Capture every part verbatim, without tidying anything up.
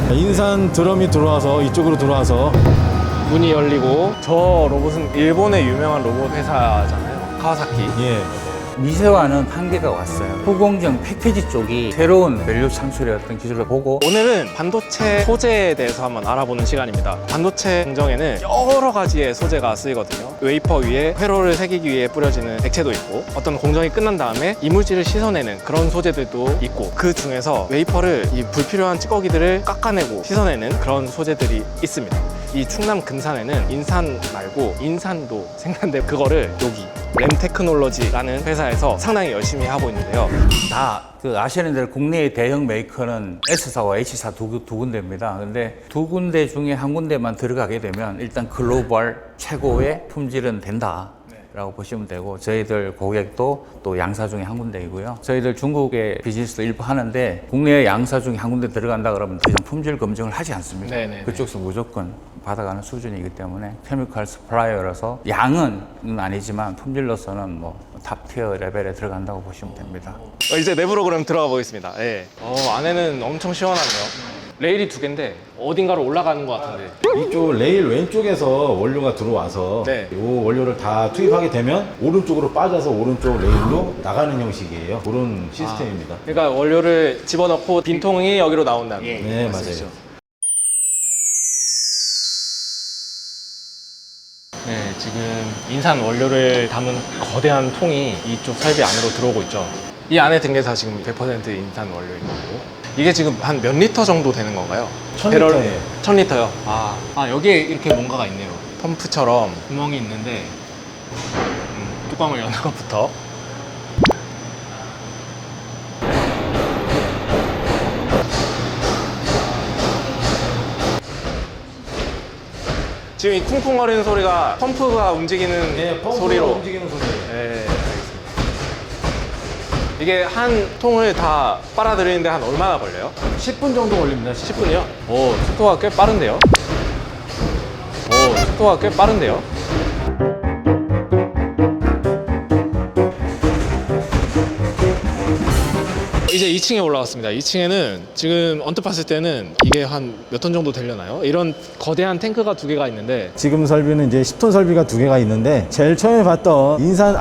인산 드럼이 들어와서 이쪽으로 들어와서 문이 열리고, 저 로봇은 일본의 유명한 로봇 회사잖아요. 카와사키. 예. 미세화는 한계가 왔어요. 후공정 패키지 쪽이 새로운 밸류 창출의 어떤 기술을 보고 오늘은 반도체 소재에 대해서 한번 알아보는 시간입니다. 반도체 공정에는 여러 가지의 소재가 쓰이거든요. 웨이퍼 위에 회로를 새기기 위해 뿌려지는 액체도 있고, 어떤 공정이 끝난 다음에 이물질을 씻어내는 그런 소재들도 있고, 그 중에서 웨이퍼를 이 불필요한 찌꺼기들을 깎아내고 씻어내는 그런 소재들이 있습니다. 이 충남 금산에는 인산 말고 인산도 생산돼, 그거를 여기 램테크놀로지라는 회사에서 상당히 열심히 하고 있는데요. 다 그 아시는 대로 국내의 대형 메이커는 S사와 H사 두, 두 군데입니다. 근데 두 군데 중에 한 군데만 들어가게 되면 일단 글로벌 최고의 품질은 된다. 라고 보시면 되고, 저희들 고객도 또 양사 중에 한 군데이고요. 저희들 중국의 비즈니스도 일부 하는데 국내 양사 중에 한 군데 들어간다 그러면 더 이상 품질 검증을 하지 않습니다. 네네네. 그쪽에서 무조건 받아가는 수준이기 때문에 케미컬 스프라이어라서 양은 아니지만 품질로서는 뭐 탑티어 레벨에 들어간다고 보시면 됩니다. 어, 이제 내부로 그럼 들어가 보겠습니다. 예. 어, 안에는 엄청 시원하네요. 레일이 두 개인데 어딘가로 올라가는 것 같은데. 이쪽 레일 왼쪽에서 원료가 들어와서 네. 이 원료를 다 투입하게 되면 오른쪽으로 빠져서 오른쪽 레일로 나가는 형식이에요. 그런 시스템입니다. 그러니까 원료를 집어넣고 빈통이 여기로 나온다는. 네, 말씀이시죠? 맞아요. 네, 지금 인산 원료를 담은 거대한 통이 이쪽 설비 안으로 들어오고 있죠. 이 안에 든 게 다 지금 백 퍼센트 인산 원료인 거고. 이게 지금 한 몇 리터 정도 되는 건가요? 천 배럴- 리터예요. 천 리터요. 아, 아 여기에 이렇게 뭔가가 있네요. 펌프처럼 구멍이 있는데, 음, 뚜껑을 여는 것부터. 지금 이 쿵쿵거리는 소리가 펌프가 움직이는 네, 펌프가 소리로. 움직이는 소리예요. 네, 알겠습니다. 이게 한 통을 다 빨아들이는데 한 얼마나 걸려요? 십 분 정도 걸립니다. 십 분이요? 오, 속도가 꽤 빠른데요? 오, 속도가 꽤 빠른데요? 이제 이 층에 올라왔습니다. 이 층에는 지금 언뜻 봤을 때는 이게 한 몇 톤 정도 되려나요? 이런 거대한 탱크가 두 개가 있는데, 지금 설비는 이제 십 톤 설비가 두 개가 있는데, 제일 처음에 봤던 인산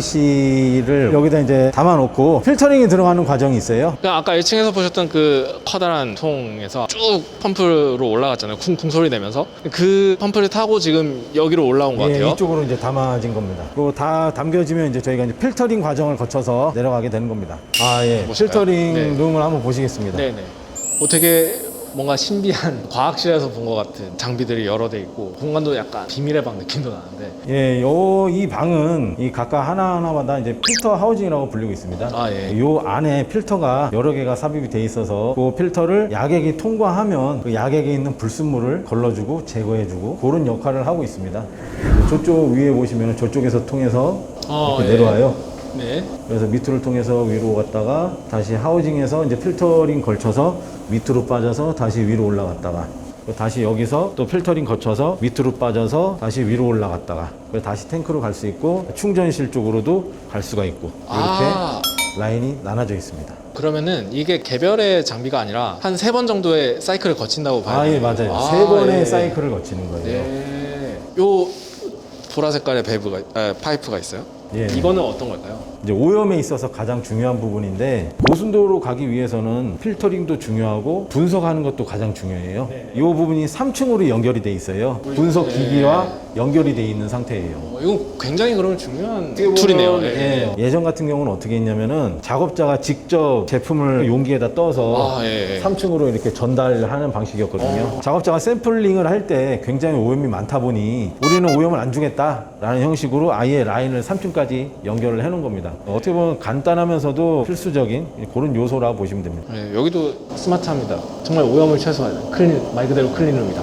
아이비씨를 여기다 이제 담아놓고 필터링이 들어가는 과정이 있어요. 그냥 아까 일 층에서 보셨던 그 커다란 통에서 쭉 펌프로 올라갔잖아요. 쿵쿵 소리 내면서. 그 펌프를 타고 지금 여기로 올라온 것 예, 같아요. 이쪽으로 이제 담아진 겁니다. 그리고 다 담겨지면 이제 저희가 이제 필터링 과정을 거쳐서 내려가게 되는 겁니다. 아, 예. 보실까요? 필터링 네. 룸을 한번 보시겠습니다. 네네. 뭐 되게 뭔가 신비한 과학실에서 본 것 같은 장비들이 여러 대 있고, 공간도 약간 비밀의 방 느낌도 나는데. 예, 요, 이 방은 이 각각 하나하나마다 이제 필터 하우징이라고 불리고 있습니다. 아, 예. 요 안에 필터가 여러 개가 삽입이 돼 있어서 그 필터를 야객이 통과하면 그 야객에 있는 불순물을 걸러주고 제거해주고 그런 역할을 하고 있습니다. 저쪽 위에 보시면 저쪽에서 통해서 어, 이렇게 예. 내려와요. 네. 그래서 밑으로 통해서 위로 갔다가 다시 하우징에서 이제 필터링 걸쳐서 밑으로 빠져서 다시 위로 올라갔다가 다시 여기서 또 필터링 거쳐서 밑으로 빠져서 다시 위로 올라갔다가 다시 탱크로 갈 수 있고 충전실 쪽으로도 갈 수가 있고 이렇게 아, 라인이 나눠져 있습니다. 그러면은 이게 개별의 장비가 아니라 한 세 번 정도의 사이클을 거친다고 봐요. 아, 예, 맞아요. 아, 세 번의 예. 사이클을 거치는 거예요. 네. 요 보라 색깔의 밸브가, 아, 파이프가 있어요. 예. 이거는 어떤 걸까요? 이제 오염에 있어서 가장 중요한 부분인데, 고순도로 가기 위해서는 필터링도 중요하고 분석하는 것도 가장 중요해요. 이 부분이 삼 층으로 연결이 돼 있어요. 분석 기기와 연결이 돼 있는 상태예요. 어, 이거 굉장히 그러면 중요한 툴이네요. 예. 예. 예전 같은 경우는 어떻게 했냐면은 작업자가 직접 제품을 용기에다 떠서 아, 예, 예. 삼 층으로 이렇게 전달하는 방식이었거든요. 작업자가 샘플링을 할 때 굉장히 오염이 많다 보니 우리는 오염을 안 주겠다라는 형식으로 아예 라인을 삼 층까지 연결을 해놓은 겁니다. 어떻게 보면 간단하면서도 필수적인 그런 요소라고 보시면 됩니다. 네, 여기도 스마트합니다. 정말 오염을 최소화하는 클린, 말 그대로 클린룸이다.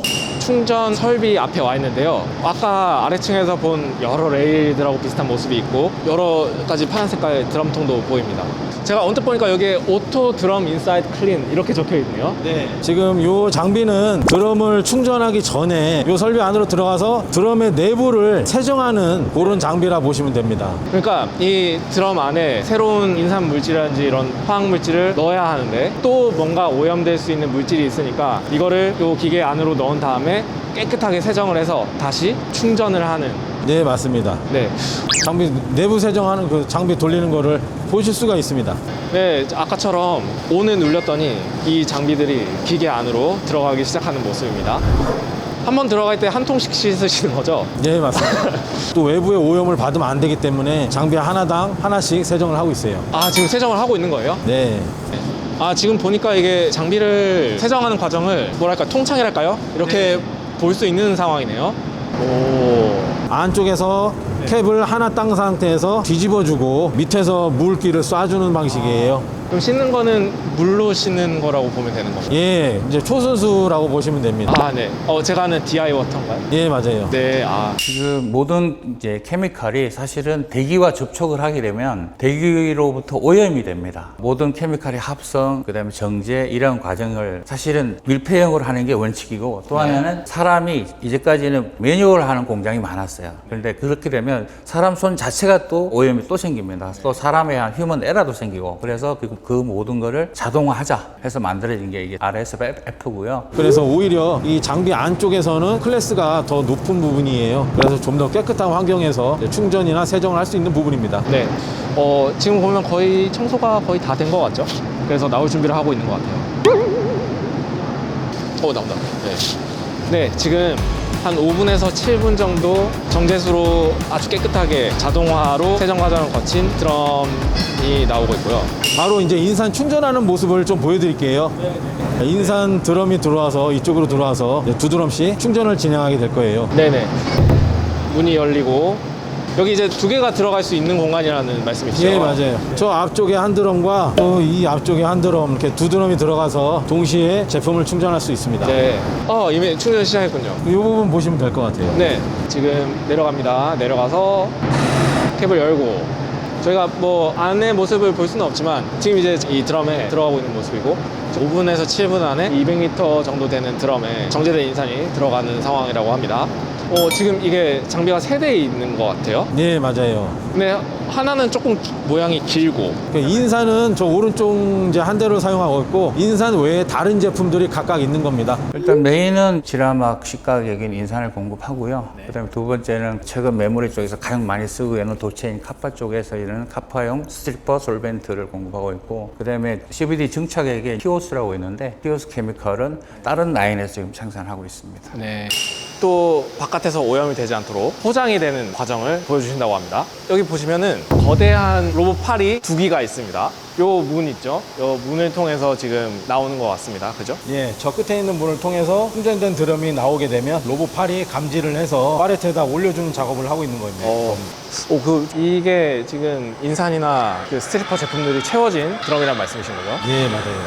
충전 설비 앞에 와 있는데요. 아까 아래층에서 본 여러 레일들하고 비슷한 모습이 있고 여러 가지 파란 색깔 드럼통도 보입니다. 제가 언뜻 보니까 여기에 오토 드럼 인사이드 클린 이렇게 적혀 있네요. 네. 지금 요 장비는 드럼을 충전하기 전에 요 설비 안으로 들어가서 드럼의 내부를 세정하는 그런 장비라 보시면 됩니다. 그러니까 이 드럼 안에 새로운 인산 물질이라든지 이런 화학 물질을 넣어야 하는데 또 뭔가 오염될 수 있는 물질이 있으니까 이거를 요 기계 안으로 넣은 다음에 깨끗하게 세정을 해서 다시 충전을 하는. 네, 맞습니다. 네. 장비 내부 세정하는 그 장비 돌리는 거를 보실 수가 있습니다. 네, 아까처럼 온을 눌렸더니 이 장비들이 기계 안으로 들어가기 시작하는 모습입니다. 한번 들어갈 때 한 통씩 씻으시는 거죠? 네, 맞습니다. 또 외부의 오염을 받으면 안 되기 때문에 장비 하나당 하나씩 세정을 하고 있어요. 아, 지금 세정을 하고 있는 거예요? 네. 아, 지금 보니까 이게 장비를 세정하는 과정을 뭐랄까 통창이랄까요? 이렇게 네. 볼 수 있는 상황이네요. 오. 안쪽에서 캡을 하나 딴 상태에서 뒤집어주고 밑에서 물기를 쏴주는 방식이에요. 그럼 씻는 거는 물로 씻는 거라고 보면 되는 건가요? 예, 이제 초순수라고 보시면 됩니다. 아, 네. 어, 제가 아는 디아이 워터인가요? 예, 맞아요. 네, 아. 지금 모든 이제 케미칼이 사실은 대기와 접촉을 하게 되면 대기로부터 오염이 됩니다. 모든 케미칼의 합성, 그다음에 정제 이런 과정을 사실은 밀폐형으로 하는 게 원칙이고 또 하나는 사람이 이제까지는 매뉴얼 하는 공장이 많았어요. 그런데 그렇게 되면 사람 손 자체가 또 오염이 또 생깁니다. 또 사람에 의한 휴먼 에러도 생기고 그래서 그, 그 모든 거를 자동화하자 해서 만들어진 게 이게 알에스에프고요. 그래서 오히려 이 장비 안쪽에서는 클래스가 더 높은 부분이에요. 그래서 좀 더 깨끗한 환경에서 충전이나 세정을 할 수 있는 부분입니다. 네. 어, 지금 보면 거의 청소가 거의 다 된 것 같죠? 그래서 나올 준비를 하고 있는 것 같아요. 어, 나온다. 네. 네, 지금 한 오 분에서 칠 분 정도 정제수로 아주 깨끗하게 자동화로 세정 과정을 거친 드럼이 나오고 있고요. 바로 이제 인산 충전하는 모습을 좀 보여드릴게요. 인산 드럼이 들어와서 이쪽으로 들어와서 두 드럼씩 충전을 진행하게 될 거예요. 네네. 문이 열리고 여기 이제 두 개가 들어갈 수 있는 공간이라는 말씀이시죠? 예, 맞아요. 저 앞쪽에 한 드럼과 또 이 앞쪽에 한 드럼 이렇게 두 드럼이 들어가서 동시에 제품을 충전할 수 있습니다. 네. 어, 이미 충전 시작했군요. 이 부분 보시면 될 것 같아요. 네. 지금 내려갑니다. 내려가서 캡을 열고 저희가 뭐 안의 모습을 볼 수는 없지만 지금 이제 이 드럼에 들어가고 있는 모습이고 오 분에서 칠 분 안에 이백 리터 정도 되는 드럼에 정제된 인산이 들어가는 상황이라고 합니다. 어, 지금 이게 장비가 세 대 있는 것 같아요. 네, 맞아요. 근데 하나는 조금 모양이 길고 그 인산은 저 오른쪽 이제 한 대로 사용하고 있고 인산 외에 다른 제품들이 각각 있는 겁니다. 일단 메인은 지라막 식가격인 인산을 공급하고요. 그다음에 두 번째는 최근 메모리 쪽에서 가장 많이 쓰고 있는 도체인 카파 쪽에서 이런 카파용 스트리퍼 솔벤트를 공급하고 있고 그다음에 씨브이디 증착액의 히오스라고 있는데 히오스 케미컬은 다른 라인에서 지금 생산하고 있습니다. 네. 또 바깥에서 오염이 되지 않도록 포장이 되는 과정을 보여주신다고 합니다. 여기 보시면은 거대한 로봇 팔이 두 기가 있습니다. 요 문 있죠? 요 문을 통해서 지금 나오는 것 같습니다. 그죠? 예, 저 끝에 있는 문을 통해서 충전된 드럼이 나오게 되면 로봇 팔이 감지를 해서 팔레트에다 올려주는 작업을 하고 있는 겁니다. 어, 오, 그, 이게 지금 인산이나 그 스트리퍼 제품들이 채워진 드럼이란 말씀이신 거죠? 예, 맞아요.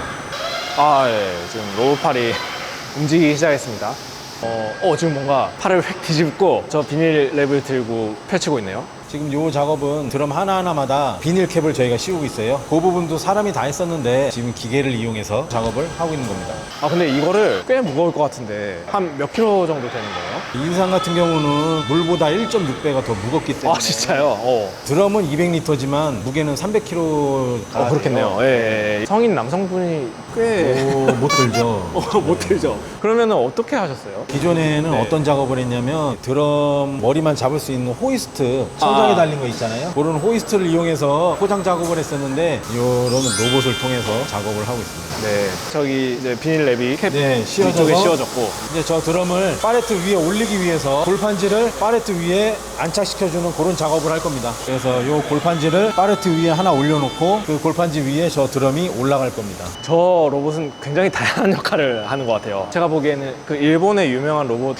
아, 예. 지금 로봇 팔이 움직이기 시작했습니다. 어, 어, 지금 뭔가 팔을 획 뒤집고 저 비닐 랩을 들고 펼치고 있네요. 지금 이 작업은 드럼 하나하나마다 비닐 캡을 저희가 씌우고 있어요. 그 부분도 사람이 다 했었는데 지금 기계를 이용해서 작업을 하고 있는 겁니다. 아, 근데 이거를 꽤 무거울 것 같은데 한 몇 킬로 정도 되는 거예요? 인산 같은 경우는 물보다 일 점 육 배가 더 무겁기 때문에 아, 진짜요? 어. 드럼은 이백 리터지만 무게는 삼백 킬로그램. 어, 그렇겠네요. 예, 예, 예. 성인 남성분이 꽤 못 들죠. 어, 못 들죠. 그러면은 어떻게 하셨어요? 기존에는 네. 어떤 작업을 했냐면 드럼 머리만 잡을 수 있는 호이스트 천장에 아. 달린 거 있잖아요. 그런 호이스트를 이용해서 포장 작업을 했었는데 이런 로봇을 통해서 작업을 하고 있습니다. 네. 저기 이제 비닐 랩이 캡 네, 씌워져서 쪽에 씌워졌고 이제 저 드럼을 팔레트 위에 올리기 위해서 골판지를 팔레트 위에 안착시켜주는 그런 작업을 할 겁니다. 그래서 이 골판지를 팔레트 위에 하나 올려놓고 그 골판지 위에 저 드럼이 올라갈 겁니다. 저 로봇은 굉장히 다양한 역할을 하는 것 같아요. 제가 보기에는 그 일본의 유명한 로봇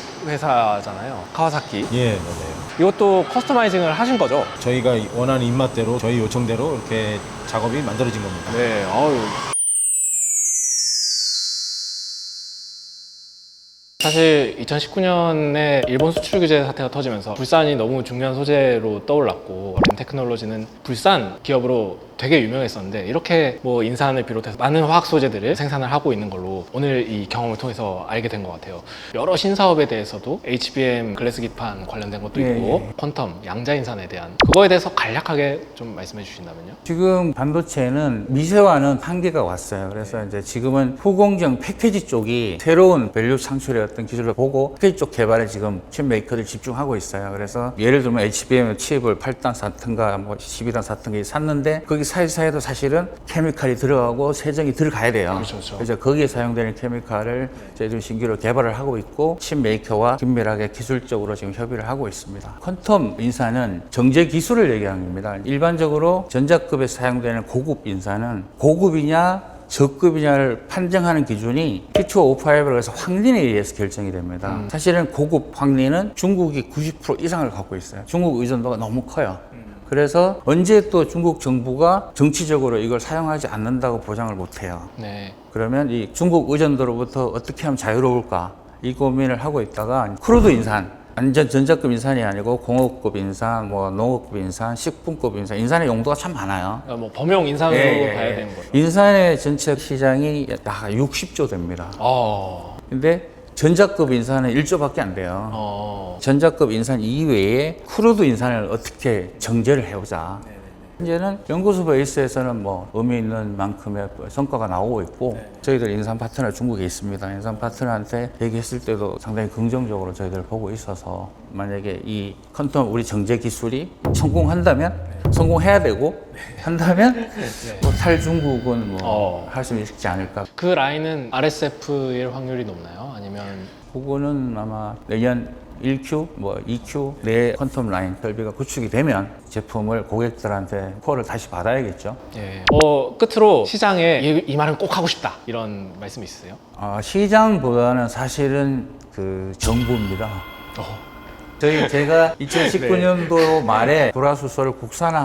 회사잖아요. 카와사키. 예, 맞아요. 이것도 커스터마이징을 하신 거죠? 저희가 원하는 입맛대로 저희 요청대로 이렇게 작업이 만들어진 겁니다. 네. 어유. 사실 이천십구 년에 일본 수출 규제 사태가 터지면서 불산이 너무 중요한 소재로 떠올랐고 램테크놀로지는 불산 기업으로 되게 유명했었는데 이렇게 뭐 인산을 비롯해서 많은 화학 소재들을 생산을 하고 있는 걸로 오늘 이 경험을 통해서 알게 된 것 같아요. 여러 신사업에 대해서도 에이치비엠 글래스 기판 관련된 것도 예, 있고 예. 퀀텀 양자인산에 대한 그거에 대해서 간략하게 좀 말씀해 주신다면요. 지금 반도체는 미세화는 한계가 왔어요. 그래서 이제 지금은 후공정 패키지 쪽이 새로운 밸류 창출의 어떤 기술을 보고 패키지 쪽 개발에 지금 칩 메이커들 집중하고 있어요. 그래서 예를 들면 에이치비엠 칩을 팔 단 사 튼가 뭐 십이 단 사 튼가 샀는데 거기 사이사이에도 사실은 케미칼이 들어가고 세정이 들어가야 돼요. 그렇죠, 그렇죠. 그래서 거기에 사용되는 케미칼을 저희들이 신규로 개발을 하고 있고 칩 메이커와 긴밀하게 기술적으로 지금 협의를 하고 있습니다. 퀀텀 인산은 정제 기술을 얘기하는 겁니다. 일반적으로 전자급에 사용되는 고급 인산은 고급이냐 저급이냐를 판정하는 기준이 티투오오파이브라고 해서 황린에 의해서 결정이 됩니다. 음. 사실은 고급 황린은 중국이 구십 퍼센트 이상을 갖고 있어요. 중국 의존도가 너무 커요. 그래서 언제 또 중국 정부가 정치적으로 이걸 사용하지 않는다고 보장을 못해요. 네. 그러면 이 중국 의존도로부터 어떻게 하면 자유로울까 이 고민을 하고 있다가 크루드 인산, 완전 전자급 인산이 아니고 공업급 인산, 뭐 농업급 인산, 식품급 인산, 인산의 용도가 참 많아요. 그러니까 뭐 범용 인산으로 예, 예, 봐야 예. 되는 거죠. 인산의 전체 시장이 약 육십조 됩니다. 어. 근데 전자급 인산은 일조밖에 안 돼요. 어. 전자급 인산 이외에 크루드 인산을 어떻게 정제를 해오자. 현재는 연구소 베이스에서는 뭐 의미 있는 만큼의 성과가 나오고 있고 저희들 인산 파트너 중국에 있습니다. 인산 파트너한테 얘기했을 때도 상당히 긍정적으로 저희들 보고 있어서 만약에 이 퀀텀 우리 정제 기술이 성공한다면 성공해야 되고 한다면 뭐 탈중국은 뭐 어. 할 수 있지 않을까. 그 라인은 알에스에프일 확률이 높나요? 아니면 그거는 아마 내년 일 큐, 뭐 이 큐 내 퀀텀 라인 설비가 구축이 되면 제품을 고객들한테 콜을 다시 받아야겠죠. 예. 어, 끝으로 시장에 이, 이 말은 꼭 하고 싶다 이런 말씀 있으세요? 아, 시장보다는 사실은 그 정부입니다. 어. 저희 제가 이천십구 년도 말에 불화수소를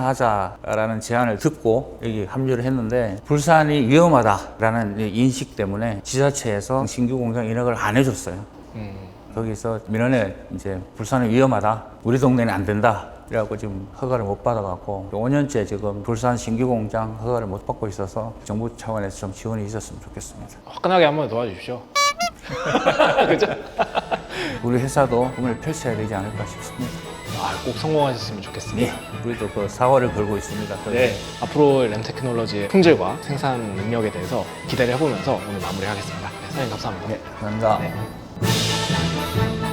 국산화하자라는 제안을 듣고 여기 합류를 했는데 불산이 위험하다라는 인식 때문에 지자체에서 신규 공장 인허가를 안 해줬어요. 음. 거기서 민원에 이제 불산이 위험하다, 우리 동네는 안 된다. 그래갖고 지금 허가를 못 받아갖고 오 년째 지금 불산 신규 공장 허가를 못 받고 있어서 정부 차원에서 좀 지원이 있었으면 좋겠습니다. 화끈하게 한번 도와주십시오. 그죠? 우리 회사도 꿈을 펼쳐야 되지 않을까 싶습니다. 아, 꼭 성공하셨으면 좋겠습니다. 네, 우리도 그 사활을 걸고 있습니다. 네, 앞으로 램테크놀로지의 품질과 생산 능력에 대해서 기대를 해보면서 오늘 마무리하겠습니다. 네, 사장님 감사합니다. 네, 감사합니다. 네.